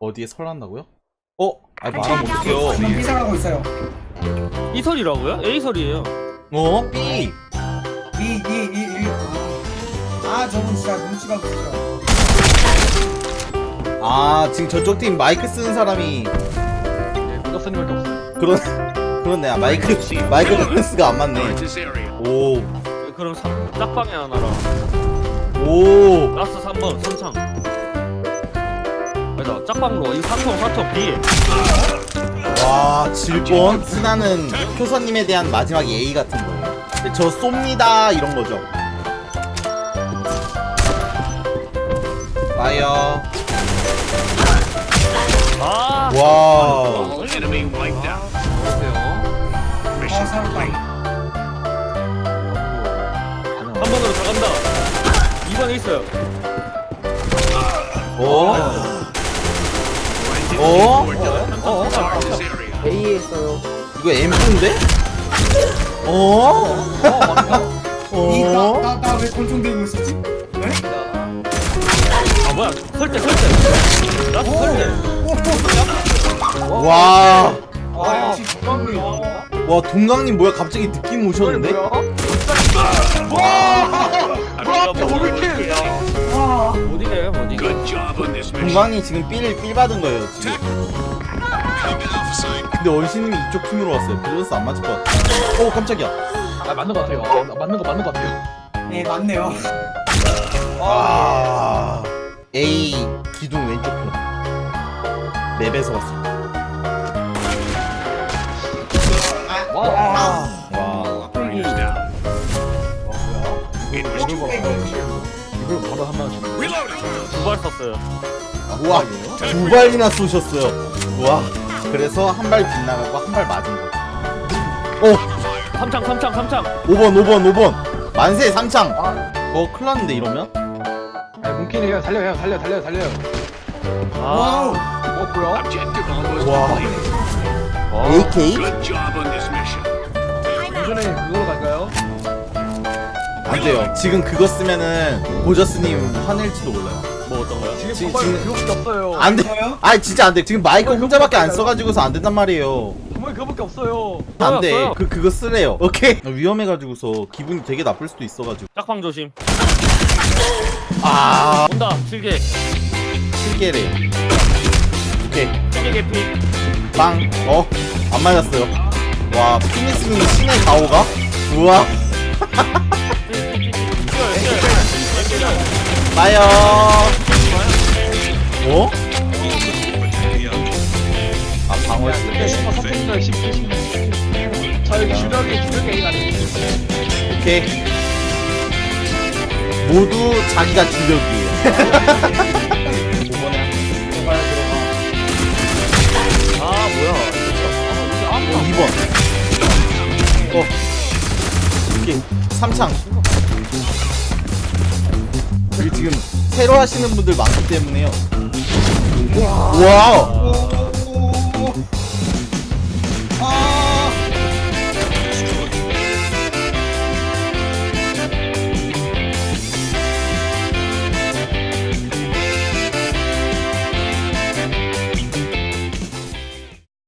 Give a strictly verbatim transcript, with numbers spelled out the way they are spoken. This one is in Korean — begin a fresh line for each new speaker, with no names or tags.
어디에 설한다고요? 어? 아 말하면 어떡해요.
비상하고 있어요.
이설이라고요? A설이에요.
어? B.
이, 이, 이, 이. 아, 저분 진짜 눈치가 없으죠.
아 지금 저쪽 팀 마이크 쓰는 사람이
네, 무덕선님밖에 없어요.
그런 그렇네. 아, 마이크 마이크 밸런스가 안 맞네. 오.
그럼 삼, 짝방에 하나랑
오.
라스 삼 번 선창. 아니다 짝방으로 이 사통 사통 B.
와 질뻔. 스나는 효선님에 대한 마지막 예의 같은 거예요. 근데 저 쏩니다 이런 거죠. 파이어.
아.
와.
아, 살았다.
한 번으로 다 간다. 이 번에 있어요.
어? 어?
어?
A에 있어요.
이거 엠프인데? 어?
이, 나,
어?
나, 나 왜 권총 들고 있었지? 네?
아 뭐야? 설대 설대. 라스 설대.
와.
아, 역시
아,
와 동강님 뭐야 갑자기 느낌 오셨는데?
와.
못 이겨요 못 이겨.
동강이 지금 삘, 삘 받은 거예요 지금. 근데 원신님이 이쪽 팀으로 왔어요. 밸런스 안 맞을 것 같아. 오 깜짝이야.
아, 맞는 것 같아요. 아, 맞는 거 맞는 것 같아요.
네, 맞네요.
아 A 기둥 왼쪽 편 맵에서 왔어.
와.
와
이걸 바로 한 방씩.
두 발 썼어요.
우와 두 발이나 쏘셨어요. 우와 그래서 한 발 빗나가고 한 발 맞은 거. 오
삼창 삼창 삼창.
오 번 오 번 오 번 만세 삼창. 어 큰일 났는데 이러면?
아, 뭉키니 형 달려요, 달려, 달려, 달려요.
와우.
아.
어, 뭐야?
와 에이케이?
예전에 그걸로 갈까요?
안 돼요. 지금 그거 쓰면은 보저스님 화낼지도 몰라요.
뭐 어떤 거요?
지금
지금-
정말
지금-
그거밖에 없어요.
안 돼.
뭐요?
아니 진짜 안 돼. 지금 마이크 혼자밖에 안 써가지고서 안 된단 말이에요.
정말 그거밖에 없어요.
안 돼.
써요.
그 그거 쓰래요. 오케이. 위험해가지고서 기분이 되게 나쁠 수도 있어가지고.
짝방 조심.
아
온다 칠개.
실개래. 오케이.
칠개 개피.
빵. 어? 안 맞았어요. 와 피니스님 신의 가오가? 우와. 빠요. 어? 아 방어
근데
쓰네.
선택자 십, 십. 저희 주력이 주력이 A가 아니에요.
오케이. 모두 자기가 주력이에요. 오번에
들어가야 들어가.
아 뭐야?
어, 이 번. 어. 오케이. 삼창. 여기 지금 새로 하시는 분들 많기 때문에요. 와우.
아,